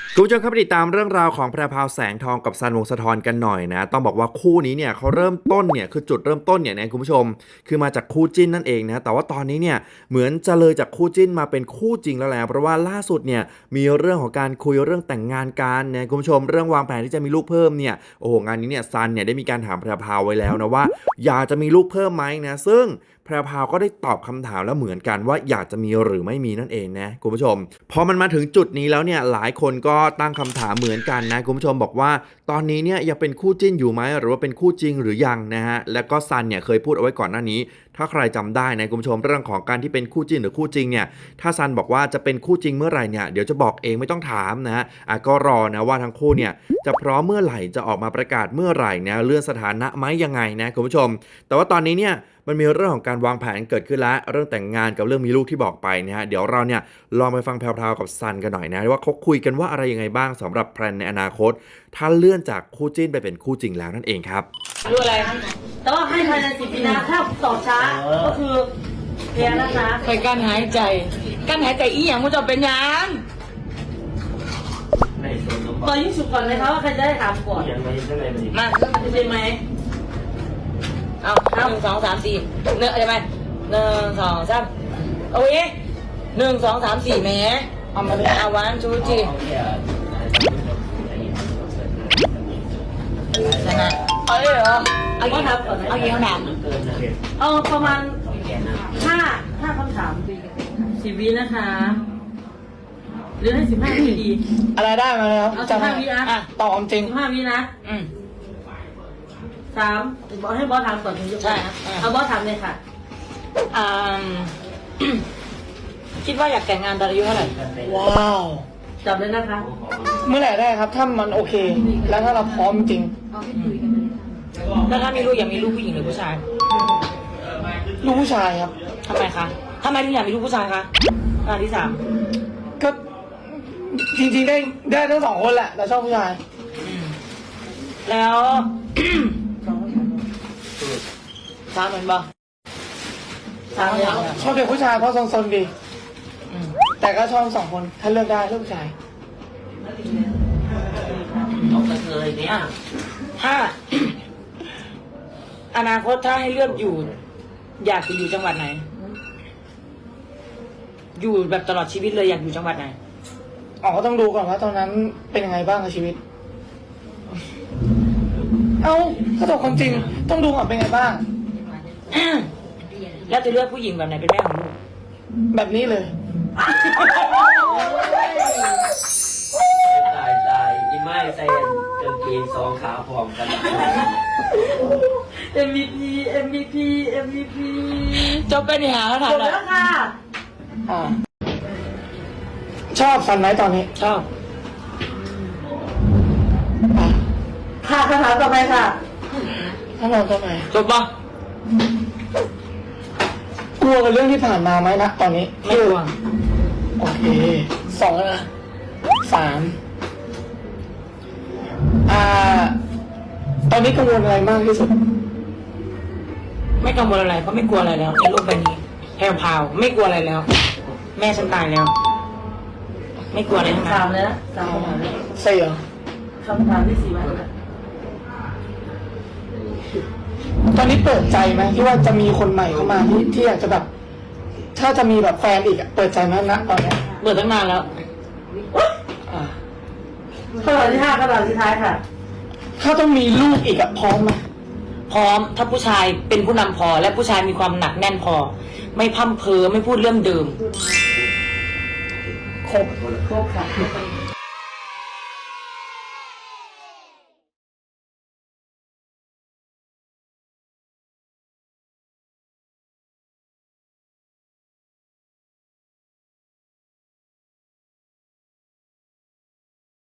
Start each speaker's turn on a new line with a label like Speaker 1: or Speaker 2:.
Speaker 1: คุณผู้ชมครับติดตามเรื่องราวของแพรพราวแสงทองกับซันวงศ์สะทอนกันหน่อยนะต้องบอกว่าคู่นี้เนี่ยเขาเริ่มต้นเนี่ยคือจุดเริ่มต้นเนี่ยนะคุณผู้ชมคือมาจากคู่จิ้นนั่นเองนะแต่ว่าตอนนี้เนี่ยเหมือนจะเลยจากคู่จิ้นมาเป็นคู่จริงแล้วแหละเพราะว่าล่าสุดเนี่ยมีเรื่องของการคุยเรื่องแต่งงานกันนะคุณผู้ชมเรื่องวางแผนที่จะมีลูกเพิ่มเนี่ยโอ้โหงานนี้เนี่ยซันเนี่ยได้มีการถามแพรพราวไว้แล้วนะว่าอยากจะมีลูกเพิ่มไหมนะซึ่งแพรพราวก็ได้ตอบคำถามแล้วเหมือนกันว่าอยากจะมีหรือไม่มีนั่นเองนะคุณผู้ชมพอมันมาถึงจุดนี้แล้วเนี่ยหลายคนก็ตั้งคำถามเหมือนกันนะคุณผู้ชมบอกว่าตอนนี้เนี่ยยังเป็นคู่จิ้นอยู่ไหมหรือว่าเป็นคู่จริงหรือยังนะฮะแล้วก็ซันเนี่ยเคยพูดเอาไว้ก่อนหน้านี้ถ้าใครจำได้นะคุณผู้ชมเรื่องของการที่เป็นคู่จิ้นหรือคู่จริงเนี่ยถ้าซันบอกว่าจะเป็นคู่จริงเมื่อไหร่เนี่ยเดี๋ยวจะบอกเองไม่ต้องถามนะฮะก็รอนะว่าทั้งคู่เนี่ยจะพร้อมเมื่อไหร่จะออกมาประกาศเมื่อไหร่นะเลื่อนสถานะไหมยังไงนะคุณผู้ชมแต่ว่าตอนนี้เนี่ยมันมีเรื่องของการวางแผนเกิดขึ้นแล้วเรื่องแต่งงานกับเรื่องมีลูกที่บอกไปนะฮะเดี๋ยวเราเนี่ยลองไปฟังแพรวๆกับซันกันหน่อยนะว่าเขาคุยกันว่าอะไรยังไงบ้างสำหรับแพลนในอนาคตถ้าเลื่อนจากคู่จิ้นไปเป็นคู่จริงแล้วนั่นเองครับ
Speaker 2: ดูอะไรแต่ว่าให้ภายใน10 ปีนะถ้าตอบช้าก็คือแพ้นะคะ
Speaker 3: คอยการหายใจอีหยังมันจะเป็นยัง
Speaker 2: ต่อยิ่งสุดก่อนเลยครับว่าใครจะได้ถามก่อน
Speaker 3: มา
Speaker 2: จะเป็นไหม
Speaker 3: เอา1 2 3 4เนื้ออะไรไหม1 2 3โอเค1 2 3 4แม่เอามาเลยเอาวันชูจีชนะเอาเลยเหรอเอากี่ครับเอากี่คำถาม
Speaker 2: เอาประมาณ5คำถาม10 วินะคะหรือให้15 วิดี
Speaker 3: อะไรได้มาแล้ว
Speaker 2: เอา15 วินะ
Speaker 3: ตอบจริง
Speaker 2: 15 วินะ3บอกให้บอสถามก่อนถึงจะ
Speaker 3: ใช่ครับ
Speaker 2: เอาบอสถามเลยค่ะ
Speaker 3: คิดว่าอยากแต่งงานตอนอายุเท่าไหร่ว้าว
Speaker 2: จับเลยนะคะ
Speaker 3: เมื่อไหร่ได้ครับถ้ามันโอเคแล้วถ้าเราพร้อมจริงแล้วถ้ามีลูกอยากมีลูกผู้หญิงหรือผู้ชายลูกผู้ชายครับทำไมคะทำไมถึงอยากมีลูกผู้ชายคะอันที่3ก็จริงๆได้ทั้ง2 คนแหละแต่ชอบผู้ชายแล้ว3เหมือนบ่ชอบเด็กผู้ชายเพราะซนๆดีแต่ก็ชอบ2 คนถ้าเลือกได้เลือกผู้ชาย
Speaker 2: เอาไปเลยเนี่ย
Speaker 3: ถ้าอนาคตถ้าให้เลือกอยู่อยากจะอยู่จังหวัดไหนอยู่แบบตลอดชีวิตเลยอยากอยู่จังหวัดไหนก็ต้องดูก่อนว่าตอนนั้นเป็นยังไงบ้างกับชีวิตถ้าตอบความจริงต้องดูก่อนเป็นไงบ้างแล้วจะเลือกผู้หญิงแบบไหนเป็นแม่ของลูกแบบนี้เลย
Speaker 4: ตายอีไม้ใส่กางเกง2 ขาพร้อมกัน
Speaker 2: MVP
Speaker 3: จบไปนี่หาเขาถาม
Speaker 2: แล้วค่ะ
Speaker 3: ชอบฟันไหมตอนนี้ชอบ
Speaker 2: ค่ะคำถามต่อไปค่ะ
Speaker 3: คำถามต่อไปจบปะกลัวกับเรื่องที่ผ่านมาไหมนะตอนนี้ไม่กลัวโอเค2แล้วนะ3ตอนนี้กังวลอะไรมากที่สุดไม่กังวลอะไรเพราะไม่กลัวอะไรแล้วในโลกใบนี้แพรวพาวไม่กลัวอะไรแล้ว แม่ฉันตายแล้วไม่กลัวอะไรทั้งนั้น
Speaker 2: 3เลยนะ3คำถามเลย
Speaker 3: 4เหรอ
Speaker 2: คำถามที่4มา
Speaker 3: ตอนนี้เปิดใจไหมที่ว่าจะมีคนใหม่เข้ามาที่อยากจะแบบถ้าจะมีแบบแฟนอีกเปิดใจไหมนะตอนนี้เปิดตั้งนานแล้ว
Speaker 2: คำถามที่5คำถามสุดท้ายค่ะ
Speaker 3: ถ้าต้องมีลูกอีกพร้อมไหมพร้อมถ้าผู้ชายเป็นผู้นำพอและผู้ชายมีความหนักแน่นพอไม่พั่มเพ้อไม่พูดเรื่องเดิมครบ
Speaker 2: ค่ะ